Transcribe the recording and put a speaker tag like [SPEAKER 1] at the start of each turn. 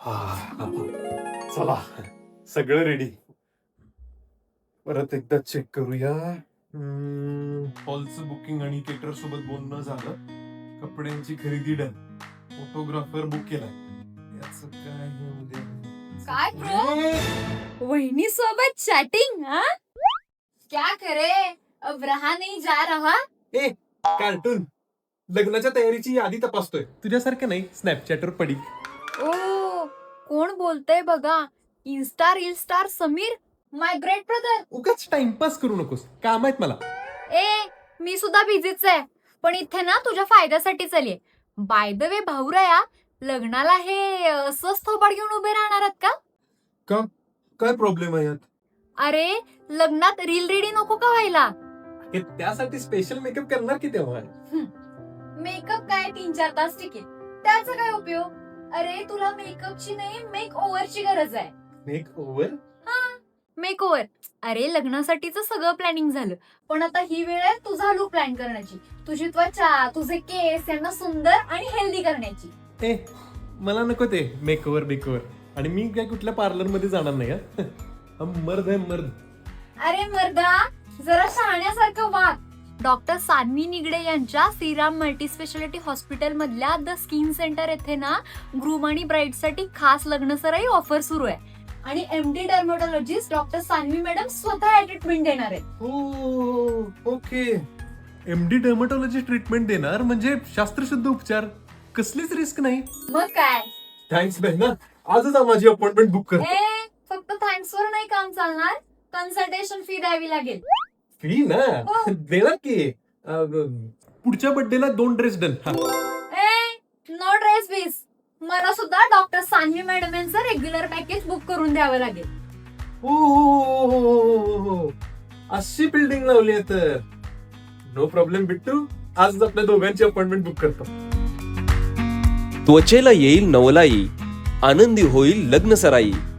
[SPEAKER 1] चला सगळं रेडी. परत एकदा चेक करूया. हॉलचं बुकिंग आणि केटर सोबत बोलणं झालं. कपड्यांची खरेदी डन. फोटोग्राफर बुक केलाय. याचं काय हे उद्या
[SPEAKER 2] काय ब्रो? वहिनी सोबत चॅटिंग? हाँ क्या करे, अब रहा नहीं जा रहा.
[SPEAKER 1] ए कार्टून लग्नाच्या तयारीची यादी तपासतोय. तुझ्यासारखं नाही स्नॅपचॅटवर पडी.
[SPEAKER 2] ओ कोण बोलतय बघा. Insta reel star Sameer, my great brother.
[SPEAKER 1] उगाच टाइमपास करू नकोस, काम आहेत मला.
[SPEAKER 2] ए मी सुद्धा बिझीच आहे, पण इथे ना तुझ्या फायद्यासाठीच आलीये. बाय द वे भाऊराया, लग्नाला हे असंच थोबाड घेऊन उभे राहणार आहात का?
[SPEAKER 1] का काय प्रॉब्लेम आहे यात?
[SPEAKER 2] अरे लग्नात रील रेडी नको का व्हायला?
[SPEAKER 1] हे त्यासाठी स्पेशल मेकअप करणार की तेव्हा.
[SPEAKER 2] मेकअप काय 3-4 तास टिकेल, त्याचा काय उपयोग? अरे तुला मेकअपची नाही मेक ओव्हरची गरज आहे.
[SPEAKER 1] Makeover?
[SPEAKER 2] Makeover. अरे लग्नासाठीच सगळं प्लॅनिंग झालं, पण आता ही वेळ आहे तुझा लुक प्लॅन करण्याची. तुझी त्वचा, तुझे केस यांना सुंदर आणि हेल्दी करण्याची.
[SPEAKER 1] ए मला नको ते मेकओव्हर बेकओव्हर. आणि मी काय कुठल्या पार्लर मध्ये जाणार नाही. हा मर्द आहे मर्द.
[SPEAKER 2] अरे मर्दा जरा शहाण्यासारखं वाग. डॉक्टर सान्वी निगडे यांच्या श्रीराम मल्टी स्पेशालिटी हॉस्पिटल मधल्या द स्किन सेंटर येथे ना ग्रूम आणि ब्राईड साठी खास लग्न सराई ऑफर सुरू आहे. आणि MD dermatologist doctor Sanvi madam स्वतः ट्रीटमेंट देणार आहेत.
[SPEAKER 1] ओके. एमडी डर्मॅटॉलॉजी ट्रीटमेंट देणार म्हणजे शास्त्रशुद्ध उपचार, कसलीच रिस्क नाही.
[SPEAKER 2] मग काय.
[SPEAKER 1] थँक्स बहिणा, आजच माझी अपॉइंटमेंट बुक कर.
[SPEAKER 2] ए फक्त थँक्स वर नाही काम चालणार, कन्सल्टेशन फी द्यावी लागेल.
[SPEAKER 1] फी ना देणार की. पुढच्या बर्थडेला 2 ड्रेस डन.
[SPEAKER 2] ए नो ड्रेस बीस. मला सुद्धा डॉक्टर सान्वी मॅडम यांचं रेग्युलर पॅकेज बुक करून द्यावं लागेल.
[SPEAKER 1] हो अशी बिल्डिंग लावली आहे तर नो प्रॉब्लेम बिट्टू. आजच आपल्या दोघांची अपॉइंटमेंट बुक करतो.
[SPEAKER 3] त्वचेला येईल नवलाई, आनंदी होईल लग्न सराई.